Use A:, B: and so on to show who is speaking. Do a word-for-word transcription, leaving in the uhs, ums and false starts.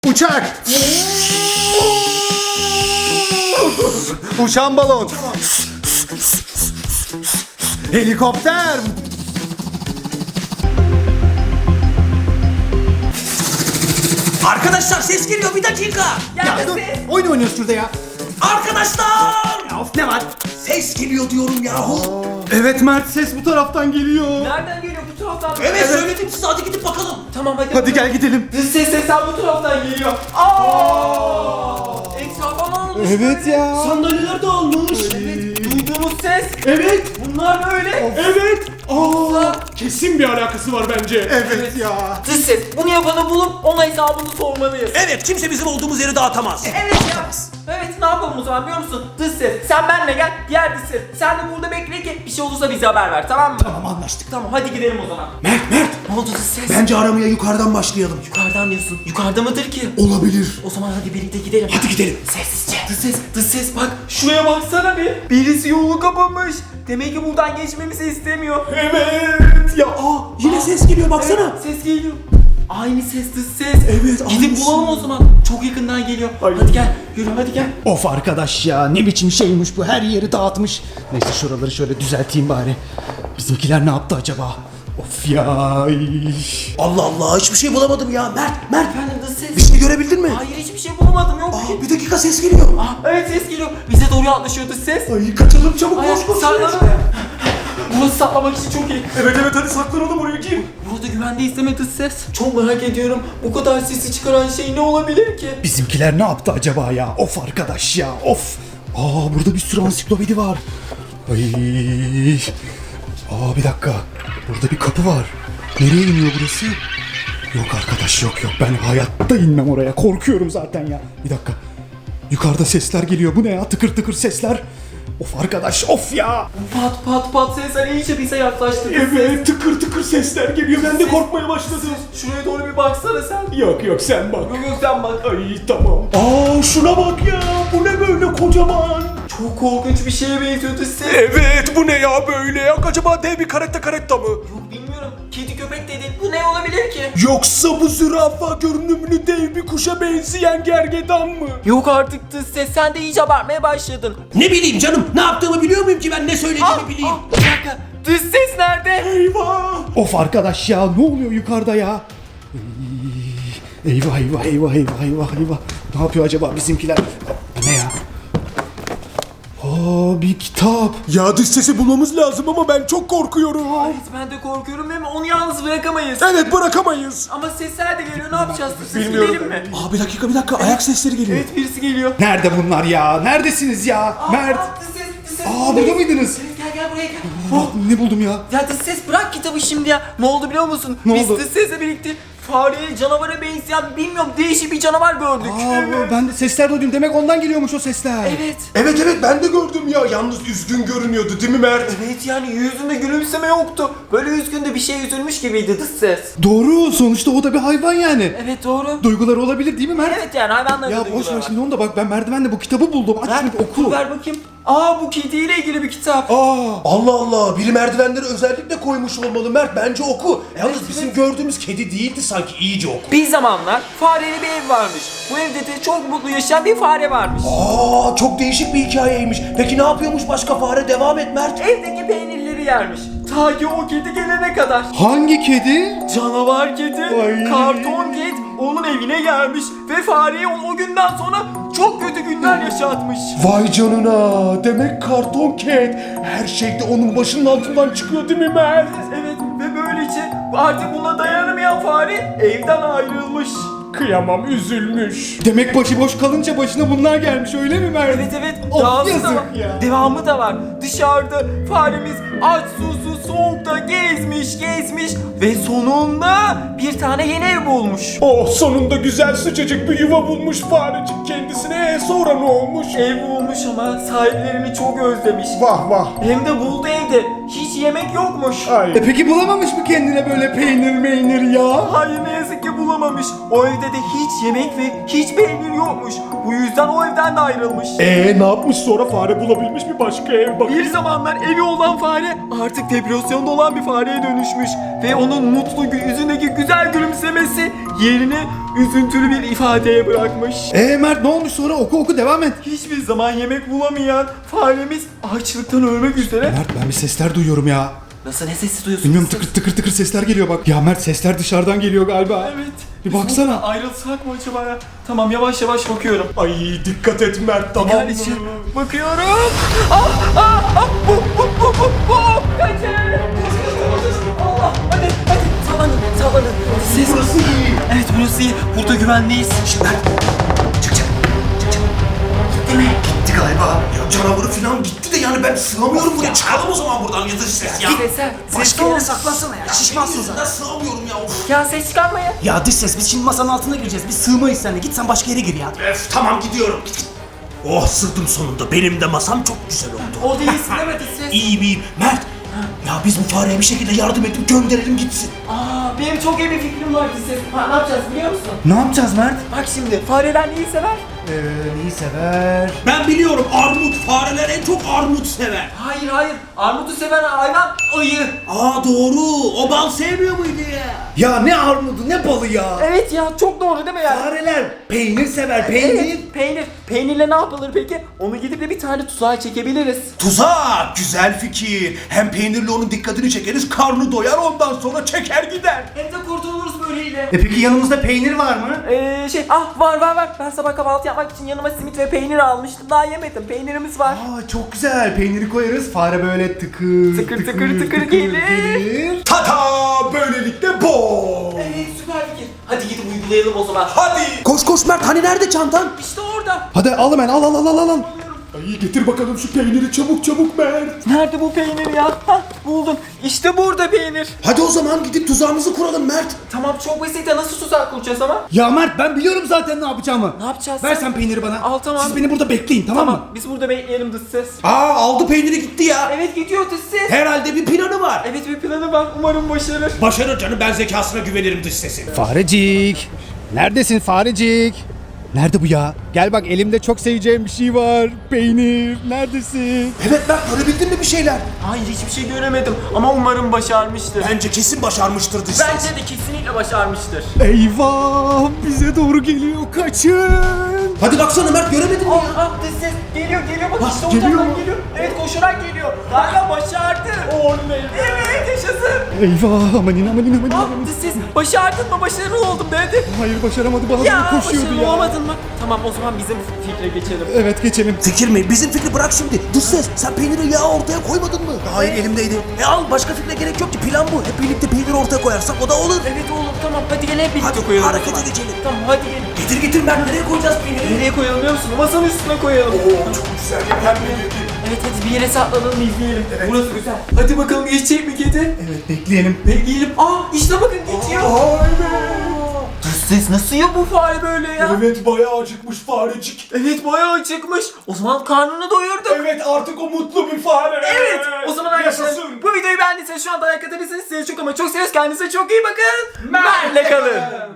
A: Uçak. Uçan balon. Helikopter.
B: Arkadaşlar ses geliyor, bir dakika.
A: Ya dur, oyun oynuyoruz şurada ya.
B: Arkadaşlar!
A: Ya of, ne var?
B: Ses geliyor diyorum yahu.
A: Evet Mert, ses bu taraftan geliyor.
C: Nereden geliyor? Bu taraftan mı?
B: Evet, söyledim size, hadi gidip bakalım.
C: Tamam hadi.
A: Hadi gel gidelim.
C: Ses sesler bu taraftan geliyor. Aa! Etrafa ne olmuş?
A: Evet ya.
B: Sandalyeler dağılmış.
C: Evet. Duyduğumuz ses.
B: Evet.
C: Bunlar böyle.
B: Evet.
C: Aa!
B: Kesin bir alakası var bence.
A: Evet ya.
C: Dış ses. Bunu yapanı bulup ona hesabını sormalıyız.
B: Evet, kimse bizim olduğumuz yeri dağıtamaz.
C: Evet ya. Evet, ne yapalım o zaman biliyor musun? Dış ses. Sen benimle gel. Diğer dış ses. Sen de burada bekle ki bir şey olursa bize haber ver, tamam mı?
B: Tamam, anlaştık.
C: Tamam, hadi gidelim o zaman.
B: Mert, Mert.
C: Ne oldu dış ses?
B: Bence aramaya yukarıdan başlayalım.
C: Yukarıdan diyorsun. Yukarıda mıdır ki?
B: Olabilir.
C: O zaman hadi birlikte gidelim.
B: Hadi gidelim.
C: Sessizce. Dış ses, dış ses bak. Şuraya baksana bir. Birisi yolu kapamış. Demek ki buradan geçmemizi istemiyor.
B: Evet. Ya aa, yine ses geliyor, baksana.
C: Evet, ses geliyor. Aynı ses, dış ses.
B: Evet,
C: Gidip
B: aynısı.
C: bulalım o zaman. Çok yakından geliyor. Hadi gel. Yürü hadi gel.
D: Of arkadaş ya, ne biçim şeymiş bu, her yeri dağıtmış. Neyse şuraları şöyle düzelteyim bari. Bizimkiler ne yaptı acaba? Of ya.
B: Allah Allah, hiçbir şey bulamadım ya. Mert, Mert.
C: Efendim dış ses.
B: Bir şey görebildin mi?
C: Hayır, hiçbir şey bulamadım, yok ki.
B: Aa, bir dakika, ses geliyor.
C: Ah, evet ses geliyor. Bize doğru yaklaşıyor dış ses.
B: Ay, kaçalım çabuk,
C: Ay,
B: koş koş.
C: saklanalım. Burası saklamak için çok iyi.
B: Evet evet, hadi saklanalım oraya, gir.
C: Burada güvendeyiz değil mi dış ses? Çok merak ediyorum. Bu kadar sesi çıkaran şey ne olabilir ki?
D: Bizimkiler ne yaptı acaba ya? Of arkadaş ya, of. Aa, burada bir sürü ansiklopedi var. Ay. Aa, bir dakika. Burada bir kapı var. Nereye iniyor burası? Yok arkadaş, yok yok. Ben hayatta inmem oraya. Korkuyorum zaten ya. Bir dakika. Yukarıda sesler geliyor. Bu ne ya? Tıkır tıkır sesler. Of arkadaş, of ya.
C: Pat pat pat sesler iyice bize yaklaştı. dış ses.
B: Evet, tıkır tıkır sesler geliyor. Ben de korkmaya başladım.
C: Şuraya doğru bir baksana sen.
B: Yok yok, sen bak.
C: Yok yok sen bak.
B: Ay tamam. Aa, şuna bak ya. Bu ne böyle kocaman?
C: Çok korkunç bir şeye benziyor dış ses.
B: Evet, bu ne ya böyle ya? Acaba dev bir karetta karetta mı?
C: Yok bilmiyorum. Kedi köpek dedin. Bu ne olabilir ki?
B: Yoksa bu zürafa görünümlü dev bir kuşa benzeyen gergedan mı?
C: Yok artık dış ses. Sen de iyice abartmaya başladın.
B: Ne bileyim canım. Ne yaptığımı biliyor muyum ki ben ne söylediğimi
C: Ah,
B: bileyim?
C: ah, bir dakika. Dış ses nerede?
B: Eyvah.
D: Of arkadaş ya, ne oluyor yukarıda ya? Ey, Eyvah eyvah eyvah eyvah eyvah eyvah. Ne yapıyor acaba bizimkiler? Bu ne ya? Aa, bir kitap.
B: Ya dış sesi bulmamız lazım ama ben çok korkuyorum.
C: Evet ben de korkuyorum değil mi? Onu yalnız bırakamayız.
B: Evet, bırakamayız.
C: Ama sesler de geliyor. Ne yapacağız? Dış ses
B: Bilmiyorum.
C: gidelim mi?
B: Aa, bir dakika bir dakika, ayak sesleri geliyor.
C: Evet birisi geliyor.
D: Nerede bunlar ya? Neredesiniz ya? Mert.
C: Aa, dış ses, dış ses.
D: Aa, burada mıydınız?
C: Evet, gel gel buraya gel.
D: Aa, ne buldum ya?
C: Ya dış ses bırak kitabı şimdi ya. Ne oldu biliyor musun?
D: Ne
C: Biz
D: oldu?
C: dış sesle birlikte fareye, canavara benzeyen bilmiyorum değişik bir canavar gördük.
D: Aa, ben de sesler duydum. Demek ondan geliyormuş o sesler.
C: Evet.
B: Evet evet, ben de gördüm ya. Yalnız üzgün görünüyordu değil mi Mert?
C: Evet yani yüzünde gülümseme yoktu. Böyle üzgün de bir şey üzülmüş gibiydi dış ses.
D: Doğru. Sonuçta o da bir hayvan yani.
C: Evet doğru.
D: Duyguları olabilir değil mi Mert?
C: Evet yani hayvanların
D: Ya
C: da
D: boş
C: duyguları
D: ver
C: var.
D: şimdi onu da, bak ben merdivenle bu kitabı buldum. Aç
C: Ver,
D: şunu bir oku.
C: Ver bakayım. Aa bu kediyle ilgili bir kitap.
D: Aa,
B: Allah Allah, biri merdivenleri özellikle koymuş olmalı Mert, bence oku. Yalnız
C: Evet,
B: bizim
C: evet.
B: gördüğümüz kedi değildi sanki, iyice oku.
C: Bir zamanlar fareli bir ev varmış. Bu evde de çok mutlu yaşayan bir fare varmış.
B: Aa, çok değişik bir hikayeymiş. Peki ne yapıyormuş başka fare? Devam et Mert.
C: Evdeki peynirleri yermiş. Ta ki o kedi gelene kadar.
D: hangi kedi?
C: Canavar kedi,
D: Ay.
C: karton kedi onun evine gelmiş ve fareye o, o günden sonra çok kötü günler yaşatmış.
B: Vay canına, demek karton cat her şeyde onun başının altından çıkıyor değil mi Mert?
C: Evet ve böylece artık buna dayanamayan fare evden ayrılmış.
B: Kıyamam, üzülmüş.
D: Demek başıboş kalınca başına bunlar gelmiş, öyle mi Mert?
C: Evet evet
D: Of,
C: devamı da
D: yazık
C: var.
D: ya.
C: Devamı da var. Dışarıda faremiz aç susuz soğukta gezmiş gezmiş ve sonunda bir tane yeni ev bulmuş.
B: Oh, sonunda güzel sıcacık bir yuva bulmuş farecik kendisine. E, sonra ne olmuş?
C: Ev bulmuş ama sahiplerini çok özlemiş.
B: Vah vah.
C: Hem de buldu evde. Hiç yemek yokmuş.
B: Ay.
D: E peki bulamamış mı kendine böyle peynir meynir ya?
C: Hayır ne yazık ki bulamamış. ayrılmış. O evde de hiç yemek ve hiç peynir yokmuş. Bu yüzden o evden de ayrılmış.
B: Ee ne yapmış sonra, fare bulabilmiş bir başka ev bak.
C: Bir zamanlar evi olan fare artık depresyonda olan bir fareye dönüşmüş. Ve onun mutlu gü- yüzündeki güzel gülümsemesi yerini üzüntülü bir ifadeye bırakmış.
D: Ee Mert ne olmuş sonra, oku oku devam et.
C: Hiçbir zaman yemek bulamayan faremiz açlıktan ölmek üzere.
D: Mert ben bir sesler duyuyorum ya.
C: Nasıl, ne sesi duyuyorsun?
D: Bilmiyorum, tıkır tıkır tıkır sesler geliyor bak. Ya Mert sesler dışarıdan geliyor galiba.
C: Evet.
D: Bir
C: Biz
D: baksana.
C: buradan ayrılsak mı acaba ya? Tamam, yavaş yavaş bakıyorum.
B: Ay dikkat et Mert, tamam
C: Yani
B: mı?
C: için bakıyorum. Ah ah ah bu bu bu bu bu. Kaçın. Allah, hadi hadi sallanın sallanın. Ses.
B: Burası iyi.
C: Evet, burası iyi. Burada güvendeyiz.
B: Çık çık çık çık. Gitti mi? Gitti galiba. Ya canavarı falan gitti de yani ben sığamıyorum buraya. Çıkalım o zaman buradan, ya da ses ya.
C: Sesler.
E: Başka yere saklansana ya. Şişmansın zaten.
B: Ben sığamıyorum ya. Of.
C: Ya ses çıkarmayın.
E: Ya dış ses, biz şimdi masanın altına gireceğiz. Biz sığmayız seninle. Git sen başka yere gir ya.
B: Öf, tamam gidiyorum. Git, git. Oh sığdım sonunda. Benim de masam çok güzel oldu.
C: O değilsin değil mi ses?
B: İyiyim iyiyim. Mert. Ya biz bu fareye bir şekilde yardım edip gönderelim gitsin.
C: Aa, benim çok iyi bir fikrim var ses. Ha, ne yapacağız biliyor musun?
D: Ne yapacağız Mert?
C: Bak şimdi, fareler neyi sever?
D: Ee, neyi sever?
B: Ben biliyorum, armut. Fareler en çok armut sever.
C: Hayır hayır, armutu seven hayvan ayı.
B: Aa doğru. O bal sevmiyor muydu ya?
D: Ya ne armudu ne balı ya.
C: Evet ya, çok doğru değil mi yani?
D: Fareler peynir sever,
C: Evet, peynir. Peynirle ne yapılır peki? Onu gidip de bir tane tuzağa çekebiliriz.
B: Tuzak. Güzel fikir. Hem peynirle onun dikkatini çekeriz. Karnı doyar, ondan sonra çeker gider.
C: Hem de kurtuluruz böyleyle.
D: E peki yanımızda peynir var mı?
C: Ee, şey, ah var var var. Ben sabah kahvaltı yapmak için yanıma simit ve peynir almıştım. Daha yemedim. Peynirimiz var.
D: Aa çok güzel, peyniri koyarız, fare böyle tıkır
C: Tıkır tıkır tıkır gelir.
B: Tada! Böylelikle bol.
C: Evet, süper fikir. Hadi gidip uygulayalım o zaman.
B: Hadi.
E: Koş koş Mert, hani nerede çantan?
C: İşte orada.
D: Hadi al hemen, al al al al al.
B: Ay getir bakalım şu peyniri çabuk çabuk Mert.
C: Nerede bu peynir ya? Hah, buldum. İşte burada peynir.
B: Hadi o zaman gidip tuzağımızı kuralım Mert.
C: Tamam, çok basit de nasıl tuzak kuracağız ama?
D: Ya Mert ben biliyorum zaten ne yapacağımı.
C: Ne yapacağız?
D: Ver sen peyniri bana.
C: Al, tamam.
D: Siz beni burada bekleyin, tamam,
C: Tamam,
D: mı?
C: biz burada bekleyelim dış ses.
B: Aa aldı peyniri gitti ya.
C: Evet, gidiyor dış ses.
B: Herhalde bir planı var.
C: Evet, bir planı var. Umarım başarır.
B: Başarır canım, ben zekasına güvenirim dış sesin.
D: Farecik. Neredesin Farecik? Nerede bu ya? Gel bak, elimde çok seveceğim bir şey var. Peynir. Neredesin?
B: Evet Mert, görebildin mi bir şeyler?
C: Hayır, hiçbir şey göremedim ama umarım başarmıştır.
B: Bence kesin başarmıştır dış ses.
C: Bence de kesinlikle başarmıştır.
D: Eyvah! Bize doğru geliyor. Kaçın!
B: Hadi baksana Mert, göremedin mi
C: Ah,
B: ya?
C: ah, dış ses geliyor geliyor, bak işte
D: geliyor
C: oradan
D: mu?
C: geliyor. Evet, koşarak geliyor. Galiba başardı. Oley. Evet, yaşasın.
D: Eyvah! Amanin amanin amanin
C: Ah,
D: amanin.
C: dış ses başardın mı? Başarılı oldum dedi.
D: Hayır başaramadı. Bana
C: Ya,
D: doğru koşuyordu
C: başarılı
D: ya.
C: olamadın mı? Tamam, o zaman bizim fikre geçelim.
D: Evet geçelim.
B: Fikir mi? Bizim fikri bırak şimdi. Dış ses, sen peyniri yağı ortaya koymadın mı? Hayır, elimdeydi. E al, başka fikre gerek yok ki, plan bu. Hep birlikte peyniri ortaya koyarsak o da olur.
C: Evet oğlum, tamam, hadi gel hep birlikte
B: Hadi
C: koyalım. o
B: hareket
C: zaman.
B: edelim.
C: Tamam, hadi gel.
B: Getir getir Mert, nereye koyacağız peyniri?
C: Nereye koyalım biliyor musun? Masanın üstüne koyalım.
B: Oo çok güzel ya, hem de
C: Evet, hadi bir yere saklanalım, izleyelim. Burası güzel. Hadi bakalım, geçecek mi kedi?
D: Evet bekleyelim.
C: Bekleyelim. Aa, işte bakın geçiyor. Ses nasıl ya bu fare böyle ya?
B: Evet, bayağı acıkmış farecik.
C: Evet, bayağı acıkmış. O zaman karnını doyurduk.
B: Evet, artık o mutlu bir fare.
C: Evet. O zaman arkadaşlar,
B: Yaşasın.
C: bu videoyu beğendiyseniz şu anda like atabilirsiniz. Sizi çok ama çok seviyoruz. Kendinize çok iyi bakın. Benle kalın.